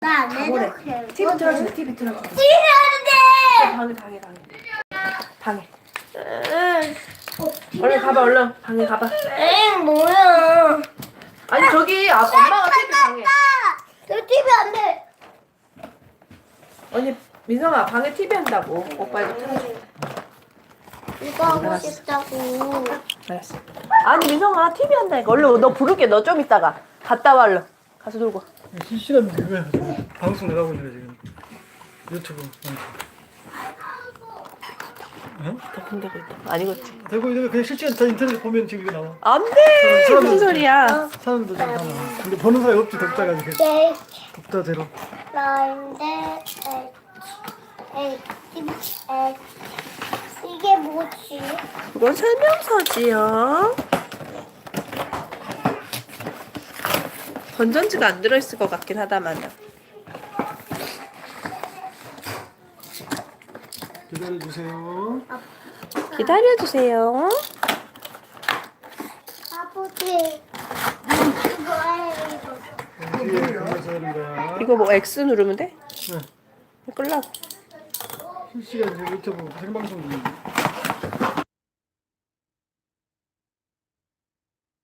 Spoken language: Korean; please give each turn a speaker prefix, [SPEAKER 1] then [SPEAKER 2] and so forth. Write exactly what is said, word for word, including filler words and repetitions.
[SPEAKER 1] 나안
[SPEAKER 2] 방울해.
[SPEAKER 1] 해도
[SPEAKER 2] 티비 틀어주세요. 티비 틀어주세요.
[SPEAKER 1] 티비
[SPEAKER 2] 방에 방에 방에 방에.
[SPEAKER 1] 하는데.
[SPEAKER 2] 얼른 가봐 얼른 방에 가봐.
[SPEAKER 1] 엥 뭐야?
[SPEAKER 2] 아니 저기 아, 엄마가 티비 방에.
[SPEAKER 1] 저 티비 안 돼.
[SPEAKER 2] 언니 민성아 방에 티비 한다고. 오빠 이거 틀어줘.
[SPEAKER 1] 이거 하고 싶다고.
[SPEAKER 2] 알았어. 아니 민성아 티비 한다니까. 얼른 너 부를게. 너 좀 이따가 갔다 와 얼른. 가서 놀고.
[SPEAKER 3] 실시간 그거야 지금. 방송 나가고 있는 거 지금 유튜브 방송. 어?
[SPEAKER 2] 더 공개고 있다. 아니겠지.
[SPEAKER 3] 되고 있는 거 그냥 실시간 다 인터넷 보면 지금 이거 나와.
[SPEAKER 2] 안돼.
[SPEAKER 3] 사람-
[SPEAKER 2] 무슨 소리야?
[SPEAKER 3] 사람도 지금 다 나와. 근데 보는 사람이 없지 덕자가 이렇게
[SPEAKER 1] 네.
[SPEAKER 3] 덕자대로.
[SPEAKER 1] 나인데 에이 에이 에이 이게 뭐지?
[SPEAKER 2] 그건 설명서지요. 건전지가 안 들어있을 것 같긴 하다만요.
[SPEAKER 3] 기다려주세요.
[SPEAKER 2] 기다려주세요.
[SPEAKER 1] 아버지 이거예요 이거.
[SPEAKER 3] 뒤에 가면서 하는 거야.
[SPEAKER 2] 이거 뭐 X 누르면 돼?
[SPEAKER 3] 네.
[SPEAKER 2] 끌라고.
[SPEAKER 3] 실시간 지금 유튜브 생방송 중인데.